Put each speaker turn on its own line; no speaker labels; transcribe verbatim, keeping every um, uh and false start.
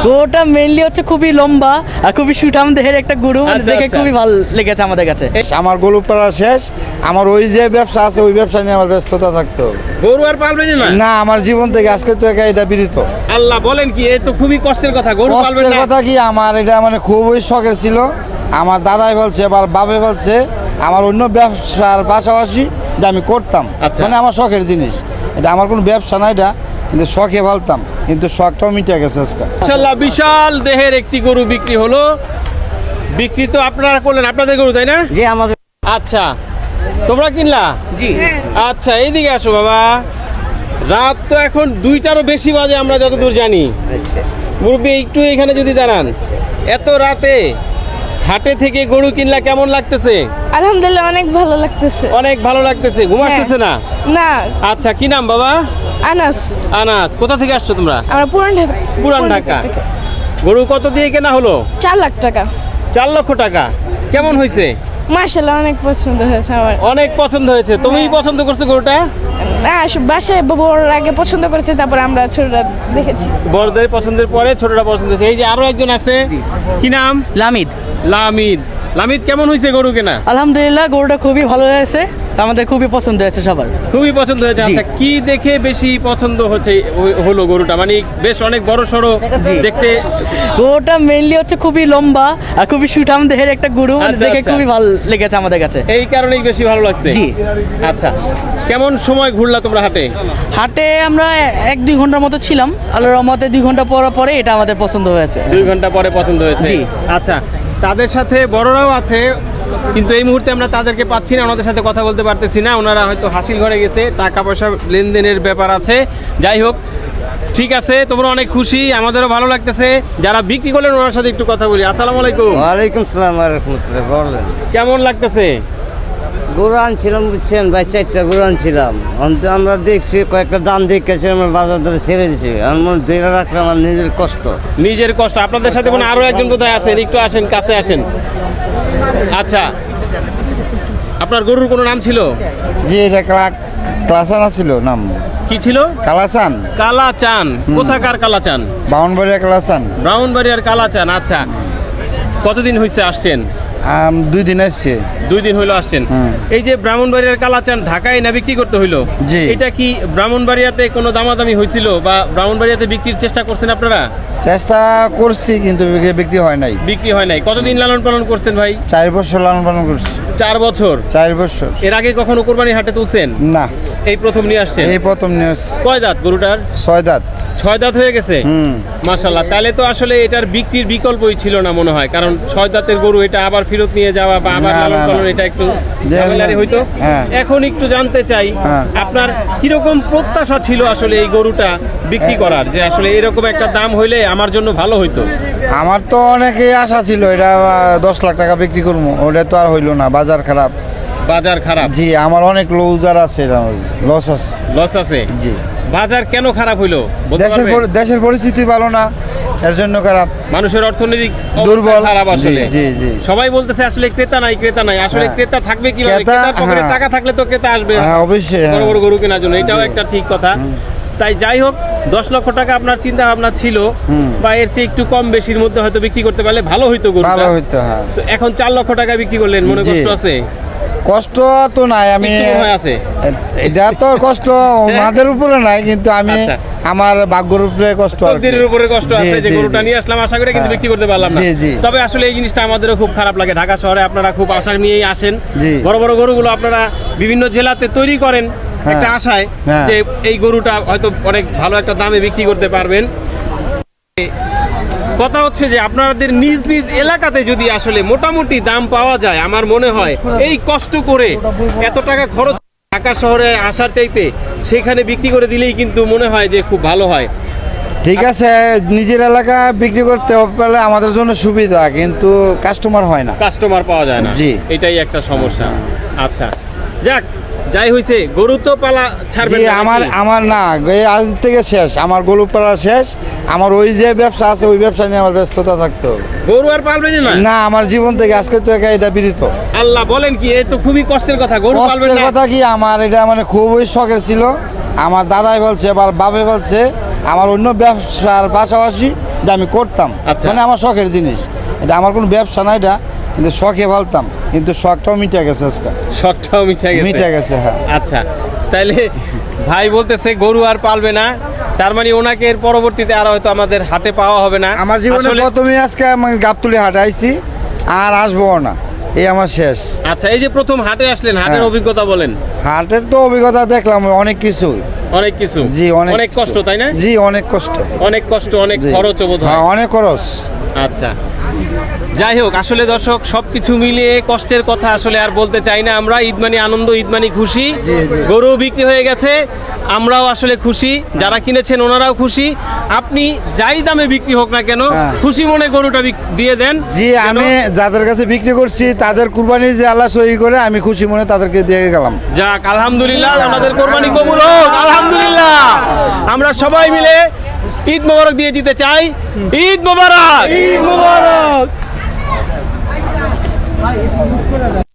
গরুটা মেইনলি হচ্ছে খুবই লম্বা আর খুবই সুঠাম দেহের একটা গরু, মানে
আচ্ছা,
দেখে
আচ্ছা।
খুবই ভালো লেগেছে আমাদের কাছে।
আমার গরু পালা শেষ, আমার ওই যে ব্যবসা আছে ওই ব্যবসা নিয়ে আমার ব্যস্ততা থাকতো।
গরু আর পালবেন না?
না, আমার জীবন থেকে আজকে তো একা এটা বিরত।
আল্লাহ, বলেন কি, এ তো খুবই কষ্টের কথা। গরু পালবেন
কষ্টের
না?
কথা কি, আমার এটা মানে খুবই শখের ছিল। আমার দাদাই বলছে, আবার বাবে বলছে, আমার অন্য ব্যবসার পাশাপাশি এটা আমি করতাম,
আচ্ছা।
মানে আমার শখের জিনিস এটা, আমার কোনো ব্যবসা না এটা, কিন্তু শখে ভালতাম, কিন্তু শখটাও মিটে গেছে আজকে।
মাশাআল্লাহ, বিশাল দেহের একটি গরু বিক্রি হলো। বিক্রি তো আপনারা করলেন, আপনাদের গরু তাই না?
যে আমাদের
আচ্ছা, তোমরা কিনলা?
জি
আচ্ছা, এইদিকে আসো বাবা। রাত তো এখন দুইটারও বেশি বাজে আমরা যতদূর জানি। মুরব্বী একটু এখানে যদি দাঁড়ান, এত রাতে হাটে থেকে গরু কিনলা, কেমন লাগতেছে?
আলহামদুলিল্লাহ, অনেক ভালো লাগতেছে।
অনেক ভালো লাগতেছে। ঘুম আসতেছে না?
না,
আচ্ছা, কি নাম বাবা?
আনাস।
আনাস। কোথা থেকে আসছো তোমরা?
আমরা পুরান ঢাকা।
পুরান ঢাকা। গরু কত দিয়ে কেনা হলো?
চার লাখ টাকা।
চার লক্ষ টাকা। কেমন হয়েছে?
মার্শাল্লাহ, অনেক পছন্দ হয়েছে আমার।
অনেক পছন্দ হয়েছে। তুমি পছন্দ করছো গরুটা?
না, আসলে বাসায় বড় আগে পছন্দ করেছে, তারপর আমরা ছোটরা দেখেছি।
বড়দের পছন্দের পরে ছোটরা পছন্দ হয়েছে। এই যে আরো একজন আছে, কি নাম?
লামিদ।
লামিদ। লামিদ, কেমন হয়েছে গরু কেনা?
আলহামদুলিল্লাহ, গরুটা খুবই ভালো হয়েছে, আমাদের খুবই পছন্দ হয়েছে সবার।
খুবই পছন্দ হয়েছে।
জি।
আচ্ছা, কি দেখে বেশি পছন্দ হচ্ছে হলো গরুটা? মানে বেশ অনেক বড় সড়ো দেখতে।
গরুটা মেইনলি হচ্ছে খুবই লম্বা আর খুবই সুঠাম দেহের একটা গরু, মানে
আচ্ছা,
দেখে
আচ্ছা।
খুবই ভালো লেগেছে আমাদের কাছে।
এই কারণেই বেশি ভালো লাগছে।
জি।
আচ্ছা, কেমন সময় ঘুরলা তোমরা হাটে?
হাটে আমরা এক দুই ঘন্টার মতো ছিলাম, আল্লাহর রহমতে দুই ঘন্টা পর পরে এটা আমাদের পছন্দ হয়েছে।
দুই ঘন্টা পরে পছন্দ হয়েছে।
জি।
আচ্ছা, তাদের সাথে বড়রাও আছে, কিন্তু এই মুহূর্তে আমরা তাদেরকে পাচ্ছি না, ওনাদের সাথে কথা বলতে পারতেছি না। ওনারা হয়তো হাসিল ঘরে গেছে, টাকা পয়সা লেনদেনের ব্যাপার আছে। যাই হোক, ঠিক আছে, তোমরা অনেক খুশি, আমাদেরও ভালো লাগতেছে। যারা বিক্রি করলেন ওনার সাথে একটু কথা বলি। আসসালামু আলাইকুম।
ওয়ালাইকুম সালাম রহমতুল্লাহ। বলেন,
কেমন লাগতেছে?
গরু আনছিলাম, বুঝছেন ভাই, চারটা গরু আনছিলাম। অন্ত- আমরা দেখছি কয়েকটা দাম দেখেছি, আমরা বাজার ধরে ছেড়ে দিছি। আমার মনে ধরে রাখলে আমার নিজের কষ্ট।
নিজের কষ্ট। আপনাদের সাথে কোনো আরো একজন কোথায় আছেন? একটু আসেন, কাছে আসেন। আচ্ছা, আপনার গরুর কোনো নাম ছিল?
যে এটা ক্লা- ক্লাসানা ছিল নাম,
কি ছিল?
কালাসান,
কালাচান। কোথাকার কালাচান?
বাউনবাড়িয়া কালাসান।
ব্রাউনবাড়িয়ার কালাচান। আচ্ছা, কতদিন হয়েছে আসছেন?
আম, দুই দিন আসছে।
দুই দিন হইলো আসছেন।
হুম।
এই যে ব্রাহ্মণবাড়িয়ার কালাচান ঢাকায় না বিক্রি করতে হইলো,
জি।
এটা কি ব্রাহ্মণবাড়িয়াতে কোনো দামাদামি হয়েছিল বা ব্রাহ্মণবাড়িয়াতে বিক্রির চেষ্টা করছেন আপনারা?
চেষ্টা করছি কিন্তু বিক্রি হয় নাই।
বিক্রি হয় নাই। কতদিন লালন পালন করছেন ভাই?
চার বছর লালন পালন করছি।
চার বছর।
চার বছর
এর আগে কখনো কোরবানি হাটে তুলছেন?
না,
এই প্রথম নিয়ে আসছেন?
এই প্রথম নিউজ।
কয় দাঁত গরুটার?
ছয় দাঁত।
ছয় দাঁত হয়ে গেছে।
হুম।
মাশাআল্লাহ, তাহলে তো আসলে এটার বিক্রির বিকল্পই ছিল না মনে হয়, কারণ ছয় দাঁতের গরু এটা আবার ফেরত নিয়ে যাওয়া বা আবার
না,
লালন
না,
পালন,
না।
এটা একটু
যে-
ঝামেলারই হইতো।
হ্যাঁ।
এখন একটু জানতে চাই,
হ্যাঁ।
আপনার কিরকম প্রত্যাশা ছিল আসলে এই গরুটা বিক্রি করার, যে আসলে এরকম একটা দাম হইলে আমার জন্য ভালো হইতো?
আমার তো অনেকেই আশা ছিল এটা আহ, দশ লাখ টাকা বিক্রি করবো, ওটা তো আর হইলো না, বাজার খারাপ।
বাজার খারাপ।
জি, আমার অনেক লুজার আছে, লস আছে।
লস আছে।
জি।
বাজার কেন খারাপ হইলো বলতে
দেশের
পারবেন?
পরি- দেশের পরিস্থিতি ভালো না, এর জন্য খারাপ।
মানুষের অর্থনৈতিক অবস্থা
দুর্বল।
খারাপ
জি,
আসলে।
জি, জি।
সবাই বলতেছে আসলে ক্রেতা নাই, ক্রেতা নাই। আসলে
হ্যাঁ।
ক্রেতা থাকবে কিভাবে?
ক্রেতা,
ক্রেতার পকেটে
হ্যাঁ।
টাকা থাকলে তো ক্রেতা আসবে
হ্যাঁ, অবশ্যই,
বড়
হ্যাঁ।
বড় গরু কেনার জন্য। এটাও
জি।
একটা ঠিক কথা। তাই যাই হোক, দশ লক্ষ টাকা আপনার চিন্তা ভাবনা ছিল,
হুম।
বা এর চেয়ে একটু কম বেশির মধ্যে হয়তো বিক্রি করতে পারলে ভালো হইতো গরুটা।
ভালো হইতো, হ্যাঁ।
তো এখন চার লক্ষ টাকা বিক্রি করলেন, মনে
জি।
কষ্ট আছে?
কষ্ট তো নাই, আমি
একটু মনে হয় আছে।
এটা তো কষ্ট ওনাদের উপরে নাই, কিন্তু আমি
আচ্ছা।
আমার ভাগ্যের উপরে কষ্ট আর কি।
তকদিরের উপরে কষ্ট
জি,
আছে যে
জি,
গরুটা
জি।
নিয়ে আসলাম আশা করে, কিন্তু
হ্যাঁ।
বিক্রি করতে পারলাম না।
জি, জি।
তবে আসলে এই জিনিসটা আমাদেরও খুব খারাপ লাগে। ঢাকা শহরে আপনারা খুব আশা নিয়েই আসেন।
জি।
বড় বড় গরুগুলো আপনারা বিভিন্ন জেলাতে তৈরি করেন
হ্যাঁ।
একটা আশায়
হ্যাঁ।
যে এই গরুটা হয়তো অনেক ভালো একটা দামে বিক্রি করতে পারবেন। কথা হচ্ছে যে আপনাদের নিজ নিজ এলাকাতে যদি আসলে মোটামুটি দাম পাওয়া যায়, আমার মনে হয় এই কষ্ট করে এত টাকা খরচ ঢাকা শহরে আসার চাইতে সেখানে বিক্রি করে দিলেই কিন্তু মনে হয় যে খুব ভালো হয়।
ঠিক আছে, নিজের এলাকা বিক্রি করতে পারলে আমাদের জন্য সুবিধা, কিন্তু কাস্টমার হয় না।
কাস্টমার পাওয়া যায় না।
জি।
এটাই একটা সমস্যা। আচ্ছা, যাক, যাই হইছে, গরু তো পালা ছাড়বে
জি,
না
আমার
নাকি?
আমার না, এই আজ থেকে শেষ, আমার গরু পালা শেষ। আমার ওই যে ব্যবসা আছে ওই ব্যবসা নিয়ে আমার ব্যস্ততা থাকতো।
গরু আর পালবেন না?
না, আমার জীবন থেকে আজকে তো একা এটা বিরত।
আল্লাহ, বলেন কি, এ তো খুবই কষ্টের কথা। গরু পালবেন
কষ্টের
না?
কথা কি, আমার এটা মানে খুবই শখের ছিল। আমার দাদাই বলছে, আবার বাবে বলছে, আমার অন্য ব্যবসার পাশাপাশি এটা আমি করতাম,
আচ্ছা।
মানে আমার শখের জিনিস, এটা আমার কোনো ব্যবসা না, এটা কিন্তু শখে ফেলতাম, কিন্তু শখটাও মিটে গেছে আজকে,
শখটাও মিঠে গেছে
মিটে গেছে হ্যাঁ।
আচ্ছা, তাইলে ভাই বলতেছে গরু আর পালবে না, তার মানে ওনাকে এর পরবর্তীতে আর হয়তো আমাদের হাটে পাওয়া হবে না।
আমার জীবনে
আসলে-
প্রথমে আজকে আমি গাবতুলি হাটে আইছি, আর আসবো না, এই আমার শেষ।
আচ্ছা, এই যে প্রথম হাটে আসলেন, হাটের
হ্যাঁ।
অভিজ্ঞতা বলেন।
হাটের তো অভিজ্ঞতা দেখলাম অনেক কিছু,
অনেক কিছু,
জি অনেক
অনেক
কিছু।
কষ্ট, তাই না?
জি অনেক কষ্ট,
অনেক কষ্ট, অনেক
জি।
খরচ বোধ হয়।
হ্যাঁ, অনেক খরচ।
আচ্ছা, যাই হোক, আসলে দর্শক সব কিছু মিলিয়ে কষ্টের কথা আসলে আর বলতে চাই না আমরা। ঈদ মানে আনন্দ, ঈদ মানে খুশি। গরু বিক্রি হয়ে গেছে, আমরাও আসলে খুশি, যারা কিনেছেন ওনারাও খুশি। আপনি যাই দামে বিক্রি হোক না কেন,
হ্যাঁ।
খুশি মনে গরুটা বিক- দিয়ে দেন।
জি
যেন-
আমি যাদের কাছে বিক্রি করছি তাদের কুরবানি যে আল্লাহ সহি করে, আমি খুশি মনে তাদেরকে দিয়ে গেলাম।
যাক, আলহামদুলিল্লাহ, আমাদের কোরবানি কবুল হোক, আলহামদুলিল্লাহ। আমরা সবাই মিলে ঈদ মোবারক দিয়ে দিতে চাই। ঈদ মোবারক, ঈদ মোবারক।